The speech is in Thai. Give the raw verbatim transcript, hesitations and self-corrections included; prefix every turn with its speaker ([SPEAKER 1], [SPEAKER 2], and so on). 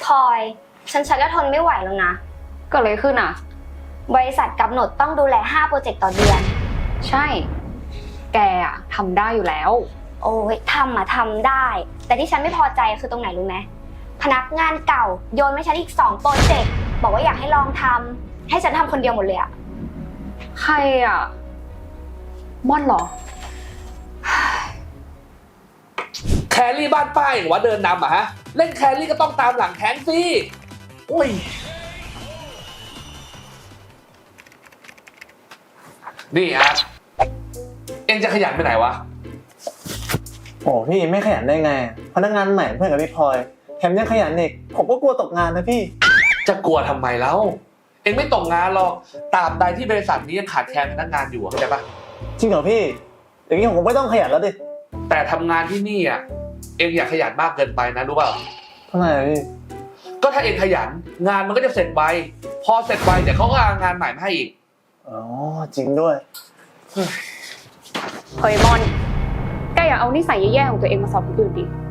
[SPEAKER 1] พลอยฉันใช้แล้วทนไม่ไหวแล้วนะ
[SPEAKER 2] เกิดอะไรขึ้นอ่ะ
[SPEAKER 1] บริษัทกำหนดต้องดูแลห้าโปรเจกต์ต่อเดือน
[SPEAKER 2] ใช่แกอะทำได้อยู่แล้ว
[SPEAKER 1] โอ้ยทำอะทำได้แต่ที่ฉันไม่พอใจคือตรงไหนรู้ไหมพนักงานเก่าโยนให้ฉันอีกสองโปรเจกต์บอกว่าอยากให้ลองทำให้ฉันทำคนเดียวหมดเลยอะ
[SPEAKER 2] ใครอ่ะม่อนเหรอ
[SPEAKER 3] แครี่บ้านป้ายหรือว่าเดินนำอะฮะเล่นแครี่ก็ต้องตามหลังแขนสิโอ้ยนี่อาร์ตเอ็งจะขยันไปไหนวะ
[SPEAKER 4] โอ้พี่ไม่ขยันได้ไงพนักงานใหม่เพื่อนกับพี่พลอยแถมยังขยันอีกผมก็กลัวตกงานนะพี่
[SPEAKER 3] จะกลัวทำไมแล้วเอ็งไม่ตกงานหรอกตราบใดที่บริษัทนี้ยังขาดแคลนพนักงานอยู่เข้าใจปะ
[SPEAKER 4] จริงเหรอพี่อย่างนี้ผมไม่ต้องขยันแล้วดิ
[SPEAKER 3] แต่ทำงานที่นี่อ่ะเอ็งอย่าขยันมากเกินไปนะรู้เปล่า
[SPEAKER 4] ทำไมพี่
[SPEAKER 3] ก็ถ้าเอ็งขยันงานมันก็จะเสร็จไวพอเสร็จไวเดี๋ยวเขาก็เอางานใหม่มาให้อีก
[SPEAKER 4] อ๋อจริงด้วย
[SPEAKER 2] เฮ้ยมอนแกอย่าเอานิสัยแย่ๆของตัวเองมาสอนคนอื่นดิ